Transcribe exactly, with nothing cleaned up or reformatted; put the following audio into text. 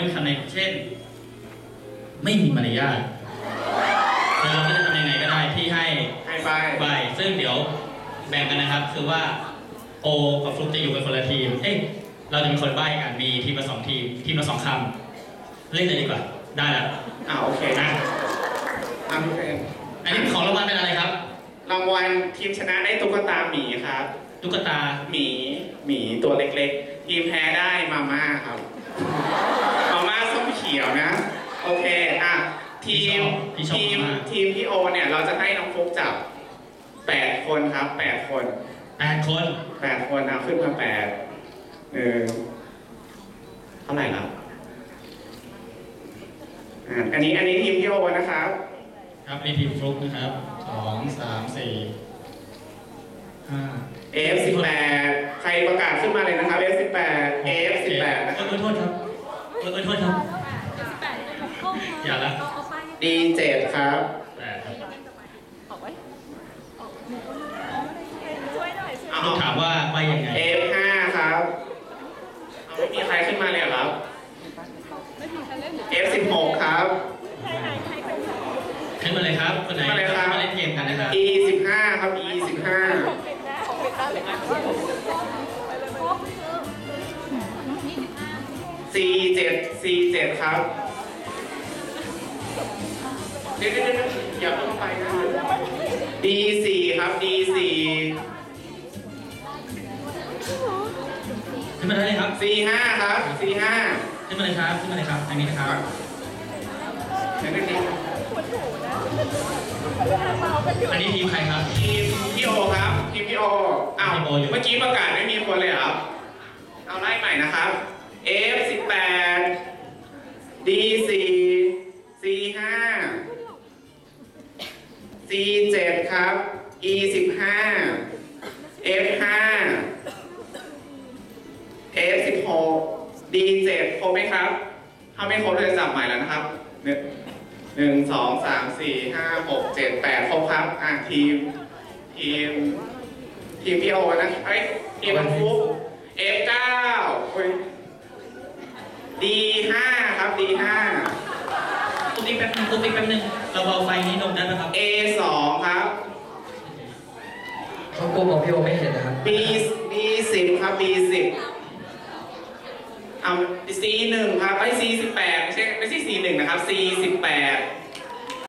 รื่องคำในเช่นไม่มีมารยาทแล้วเราก็จะทำยังไงก็ได้ที่ให้ให้ใบใบซึ่งเดี๋ยวแบ่งกันนะครับคือว่าโอกับฟลุ๊กจะอยู่กันคนละทีมเอ้ยเราจะมีคนใบ้กันมีทีมละสองทีมทีมละสองคำเล่นเลยดีกว่าได้แล้วอ่าโอเคนะอ่าพี่เฟรมอันนี้ของรางวัลเป็นอะไรครับรางวัลทีมชนะได้ตุ๊กตาหมีครับตุ๊กตาหมีหมีตัวเล็กๆ ทีมแพ้ได้มาม่าครับมาม่าส้มเขียวนะ โอเคอ่ะทีมทีมทีมพี่โอเนี่ยเราจะให้น้องฟุ๊กจับแปดคนครับแปดคนแปดคนแปดคนนะขึ้นมาแปดหนึ่งเท่าไหร่ครับอ่าอันนี้อันนี้ทีมพี่โอนะครับครับนี่ทีมฟลุ๊กนะครับสองสามสี่ห้าเอฟ สิบแปด ใครประกาศขึ้นมาเลยนะครับ เอฟ สิบแปด เอฟ สิบแปดเอนะครับอโทษครับเออโทษครับอย่าละดี เจ็ด ครับแปดครับเอาต้องถามว่าใบยังไงเอฟ ห้า ครับเอาไม่มีใครขึ้นมาเลยเหรอครับ เอฟ สิบหก ครับขึ้นมาเลยครับคนไหนขึ้นมาเลยครับมาเล่นเกมกันนะครับอี สิบห้า ครับ อี สิบห้า ซี เจ็ด ซี เจ็ด ครับเดี๋ยวเดี๋ยวเดี๋ยวอย่าเพิ่งเข้าไปนะ ดี สี่ ครับ ดี สี่ขึ้นมาเลยครับซี ห้า ครับ ซี ห้าขึ้นมาเลยครับขึ้นมาเลยครับทางนี้นะครับเดี๋ยวเดี๋ยวเดี๋ยวอันนี้ทีมใครครับทีมพี่โอครับ ทีมพี่โออ้าวทีมโออยู่เมื่อกี้ประกาศไม่มีคนเลยเหรอครับ เอาไล่ใหม่นะครับ F สิบแปด D สี่ C ห้า C เจ็ด ครับ E สิบห้า F ห้า F สิบหก D เจ็ดครบไหมครับ ถ้าไม่ครบเราจะจับใหม่แล้วนะครับหนึ่งหนึ่งสองสามสี่ห้าหกเจ็ดแปดครบครับอ่ะทีม ทีม ทีมพี่โอนะเอ้ยทีมมันฟุก F เก้า D ห้า ครับ D ห้าตุ๊กติ๊กแป๊บนึงตุ๊กติ๊กแป๊บนึงเราเบาไฟนี้ลงได้ไหมครับ A สอง ครับเขากลัวบอกพี่โอไม่เห็นนะครับ B B สิบ ครับ B สิบเอา C หนึ่ง ครับไอ้ C สิบแปดไม่ใช่ไม่ใช่ C หนึ่งนะครับ C สิบแปด